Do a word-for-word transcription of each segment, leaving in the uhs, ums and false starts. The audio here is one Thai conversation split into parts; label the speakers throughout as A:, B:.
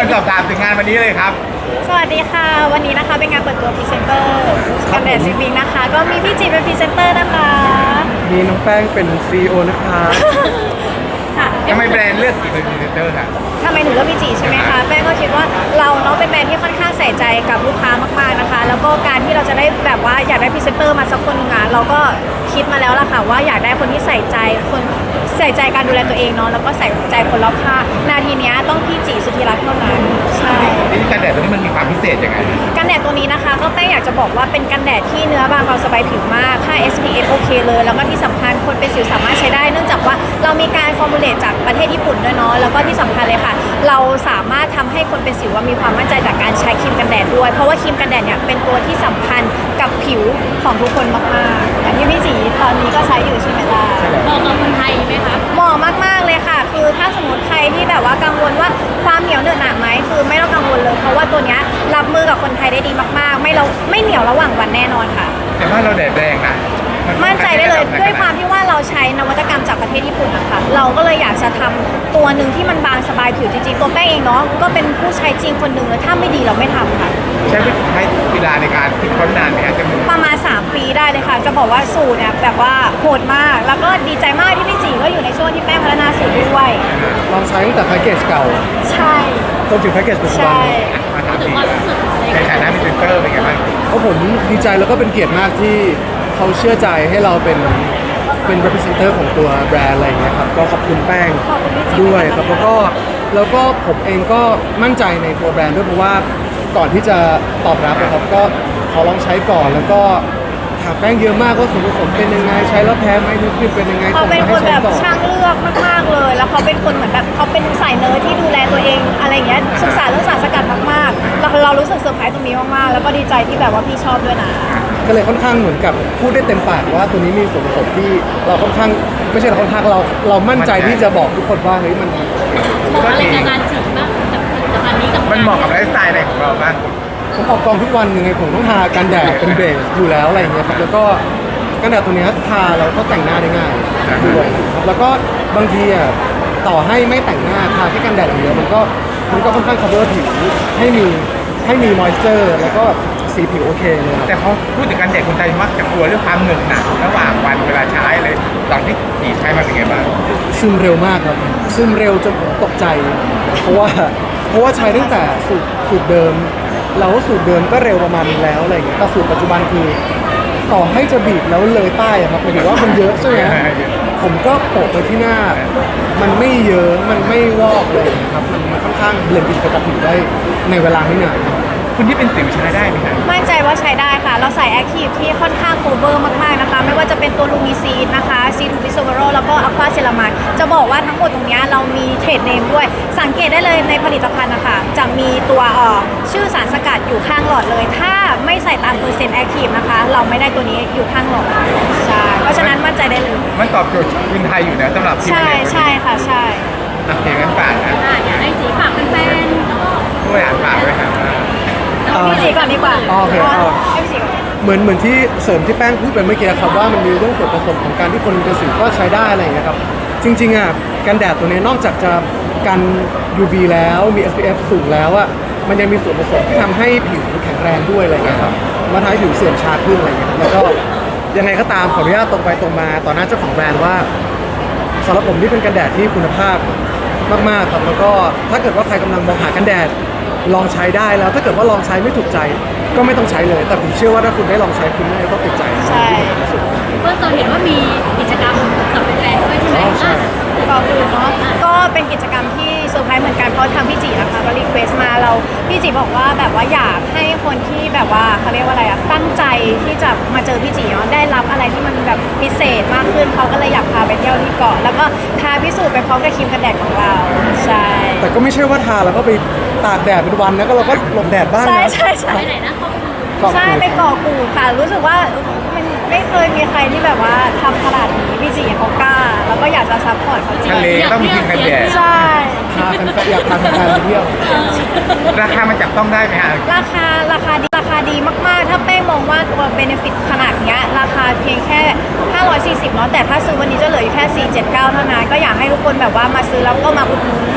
A: คนสอบถามถึงงานวันนี้เลยครับ
B: สวัสดีค่ะวันนี้นะคะเป็นงานเปิดตัวพรีเซนเตอร์กันแดดซิบิงนะคะก็มีพี่จีเป็นพรีเซนเตอร์นะคะ
C: มีน้องแป้งเป็น ซี อี โอ นะคะ
B: ค่ะ
A: ยังไม่แบรนด์เลือกกี่เป็นพรีเซนเตอร์ค่ะ
B: ทำไมหนูเลือกพี่จีใช่ไหมคะแป้งก็คิดว่าเราเนาะเป็นแบรนด์ที่ค่อนข้างใส่ใจกับลูกค้ามากๆนะคะแล้วก็การที่เราจะได้แบบว่าอยากได้พรีเซนเตอร์มาสักคนนึงอ่ะเราก็คิดมาแล้วล่ะค่ะว่าอยากได้คนที่ใส่ใจคนใส่ใจการดูแลตัวเองเนาะแล้วก็ใส่ใจคนรอบข้างนาทีนี้ต้องพี่จีสุธีรัตน์เท่านั้นใช่
A: นี่กันแดดตัวนี้มันมีความพิเศษยังไง
B: กันแดดตัวนี้นะคะก็แป้งอยากจะบอกว่าเป็นกันแดดที่เนื้อบางเบาสบายผิวมากค่า เอส พี เอฟ โอเคเลยแล้วก็ที่สำคัญคนเป็นสิวสามารถใช้ได้เนื่องจากว่าเรามีการฟอร์มูลเลตจากประเทศญี่ปุ่นด้วยเนาะแล้วก็ที่สำคัญเลยค่ะเราสามารถทำให้คนเป็นสิวมีความมั่นใจจากการใช้ครีมกันแดดด้วยเพราะว่าครีมกันแดดเนี่ยเป็นตัวที่สำคัญกับผิวของทุกคนมากๆอย่างที่พี่จีตอนนี้ก็ใช้อยู่ใช่ไหมล่ะ
D: เหมาะกับคนไทยไหมคะ
B: เหมาะมากๆเลยค่ะคือถ้าสมมติใครที่แบบว่ากังวลว่าความเหนียวเหนอะหนะไหมคือไม่ต้องกังวลเลยเพราะว่าตัวเนี้ยรับมือกับคนไทยได้ดีมากๆ ไม่เราไม่เหนียวระหว่างวันแน่นอนค่ะ
A: แต่ว่าเราแดดแรงนะน
B: มั่นใจได้เลยด้วยความที่ว่าเราใช้นวัตกรรมจากประเทศญี่ปุ่นนะคะเราก็เลยอยากจะทำตัวหนึ่งที่มันบางสบายผิวจริงๆตัวแป้งเองเนาะก็เป็นผู้ใช้จริงคนหนึ่งแล้วถ้าไม่ดีเราไม่ทำค่ะ
A: ใช้เวลาในการคิดค้นนานไหมครับจะมี
B: ประมาณสามปีได้เลยค่ะ จะบอกว่าสูตรเนี่ยแบบว่าโหดมาก แล้วก็ดีใจมากที่พี่จีก็อยู่ในช่วงที่แป้งพัฒนาสูตรด้วย
C: ลองใช้ตั้งแต่แพ็กเกจเก่า
B: ใช่
C: จนถึงแพ็กเกจปัจจุบัน
B: ใช่
A: มาถาม
D: ถึง
A: ดี
D: ความรู้สึกอะไร
A: ในฐานะพรีเซนเตอร์เป็นไงบ้าง
C: เพราะผมดีใจแล้วก็เป็นเกียรติมากที่เขาเชื่อใจให้เราเป็นเป็น representative ของตัวแบรนด์อะไรอย่างเงี้ยครับก็ขอบคุณแป้ง
B: ขอบคุณพี่จี
C: ด้วยครับแล้วก็แล้วก็ผมเองก็มั่นใจในตัวแบรนด์ด้วยเพราะว่าก่อนที่จะตอบรับนะครับก็ขอลองใช้ก่อนแล้วก็ถามแป้งเยอะมากว่าส่วนผสมเป็นยังไงใช้แล้วแพ้ไหมนึกขึ้นเป็นยังไง
B: เขา
C: ส่ง
B: เป็น
C: มา
B: ค
C: ให้
B: น
C: ใช้
B: แบบ
C: ต่อ
B: ช่างเลือกมากๆเลย แล้วเขาเป็นคนเหมือนแบบเขาเป็นสายเนิร์ดที่ดูแลตัวเองอะไรอย่างเงี้ยศึกษาเรื่องสารสกัดมากๆเราเรารู้สึกเซอร์ไพรส์ตรงนี้มากๆแล้วก็ดีใจที่แบบว่าพี่ชอบด้วยนะ
C: ก็เลยค่อนข้างเหมือนกับพูดได้เต็มปากว่าตัวนี้มีส่วนผสมที่เราค่อนข้างไม่ใช่เราค่อนข้างเราเรามั่นใจที่จะบอกทุกคนว่าเฮ้ยมัน
D: เหมาะอะไรกับงานจีบบ้างกับผลิตภัณฑ์นี้กับ
A: มันเหมาะกับไลฟ์สไตล์อะไรของเราบ้าง
C: ผมออกกองทุกวันยังไงผมต้องทากันแดดเป็นเบสอยู่แล้วอะไรอย่างเงี้ยครับแล้วก็กันแดดตัวเนี้ยทาแล้วก็แต่งหน้าได้ง่ายด้วยครับแล้วก็บางทีอ่ะต่อให้ไม่แต่งหน้าทาแค่กันแดดอย่างเดียวมันก็มันก็ค่อนข้าง cover ผิวให้มีให้มี moisture แล้วก็สีผิวโอเคเลยครับ
A: แต่พอพูดถึงกันแดดคนไทยมักจะกลัวเรื่องความเหนอะหนะระหว่างวันเวลาใช้เลยตอนที่ดีใช้มาเป็นไงบ้าง
C: ซึมเร็วมากครับซึมเร็วจนผมตกใจ เพราะว่าเพราะว่าใช้ตั้งแต่สูตรสูตรเดิมเราก็สูตรเดิมก็เร็วประมาณนึงแล้วอะไรอย่างเงี้ยแต่สูตรปัจจุบันคือต่อให้จะบีบแล้วเลยป้ายอะครับหมายถึงว่ามันเยอะใช่ไหมผมก็โปะไปที่หน้า มันไม่เยอะมันไม่วอกเลยนะครับมันมันค่อนข้างเบลนด์อินกับผิวได้ในเวลาไม่นาน
A: คุณที่เป็นสิวใช้ได้ไหมครับ
B: มั่นใจว่าใช้ได้ค่ะ เราใส่แอคทีฟที่ค่อนข้างโคเวอร์มากๆนะคะ ไม่ว่าจะเป็นตัวลูมิซีนนะคะซีทูบิโซเวโรแล้วก็อะควาเซรามายจะบอกว่าทั้งหมดตรงเนี้ยเรามีเทรดเนมด้วย สังเกตได้เลยในผลิตภัณฑ์นะคะจะมีตัวเอ่อชื่อสารสกัดอยู่ข้างหลอดเลย ถ้าไม่ใส่ตามเปอร์เซ็นต์แอคทีฟนะคะ เราไม่ได้ตัวนี้อยู่ข้างหลอดใช่เพราะฉะนั้นมั่นใจได้เลย
A: มันตอบโจทย์คนไทยอยู่นะสำหรับ
B: ใช่ใช่ค่ะใช่
A: โอเคงั้นฝากนะ
D: อ่ะอยากให้จีฝากแฟนๆแล้วก็
A: ผู้บริหารฝากด้วยครับ
B: พี่จีก่อนดีกว่า
C: อ๋อโอเคอ๋อ
B: ให้พี่จีก่อน
C: เหมือนเหมือนที่เสริมที่แป้งพูดไปเมื่อกี้ครับว่ามันมีเรื่องส่วนผสมของการที่คนเป็นสิวก็ใช้ได้อะไรอย่างเงี้ยครับจริงๆอ่ะกันแดดตัวนี้นอกจากจะกัน ยู วี แล้วมี เอส พี เอฟ สูงแล้วอ่ะมันยังมีส่วนผสมที่ทำให้ผิวแข็งแรงด้วยอะไรอย่างเงี้ยครับมาทำให้ผิวเสื่อมช้าขึ้นอะไรอย่างเงี้ยครับแล้วก็ยังไงก็ตามขออนุญาตตรงไปตรงมาต่อหน้าเจ้าของแบรนด์ว่าสำหรับผมนี่เป็นกันแดดที่คุณภาพมากๆครับแล้วก็ถ้าเกิดว่าใครกำลังมองหากันแดดลองใช้ได้แล้วถ้าเกิดว่าลองใช้ไม่ถูกใจก็ไม่ต้องใช้เลย แต่ผมเชื่อว่าถ้าคุณได้ลองใช้คุณน่าจะต้องติดใจ
B: ใช่
D: เมื่อตอนเห็นว่ามีกิจกรรมกับแฟนๆด้วยใช่ไหม
C: อ๋อใช่
D: อ่ะ
B: ก่อนอื่นเนาะก็เป็นกิจกรรมที่เซอร์ไพรส์เหมือนกันเพราะทางพี่จีนะคะก็รีเควสมาเราพี่จีบอกว่าแบบว่าอยากให้คนที่แบบว่าเขาเรียกว่าอะไรอะตั้งใจที่จะมาเจอพี่จีเนาะได้รับอะไรที่มันแบบพิเศษมากขึ้นเขาก็เลยอยากพาไปเที่ยวที่เกาะแล้วก็ทาพิสูจน์ไปพร้อมกับครีมกันแดดของเราใช่
C: แต่ก็ไม่ใช่ว่าทาแล้วก็ไปตากแดดเป็นวันนะก็เราก็หลบแดดบ้าง
B: ใช่
C: นะ
B: ใช่ใช่
D: ไปไหนนะเขา
C: ขอบ
B: ใช่
C: คุณ
B: ไปเกาะกูดค่ะรู้สึกว่ามันไม่เคยมีใครที่แบบว่าทำขนาดนี้พี่จีเขากล้าแล้วก็อยากจะซัพพอร์ตเขาจริง
A: ทะเลต้องมีครีมกันแดด
B: ใช่
C: พาแฟนๆอยากพาแฟนๆไปเที่ยว
A: ราคามันจับต้องได้ไหมฮะ
B: ราคาราคาดีราคาดีมากๆ ถ้าแป้งมองว่าตัวเบนฟิตขนาดเนี้ยราคาเพียงแค่ห้าร้อยสี่สิบเนาะแต่ถ้าซื้อวันนี้จะเหลืออยู่แค่สี่ร้อยเจ็ดสิบเก้าเท่านั้นก็อยากให้ทุกคนแบบว่ามาซื้อแล้วก็มาอุดหนุนกัน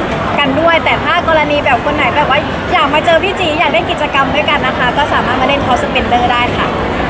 B: กันด้วย แต่ถ้ากรณีแบบคนไหนแบบว่าอยากมาเจอพี่จีอยากได้กิจกรรมด้วยกันนะคะ ก็สามารถมาเล่น Call Spender ได้ค่ะ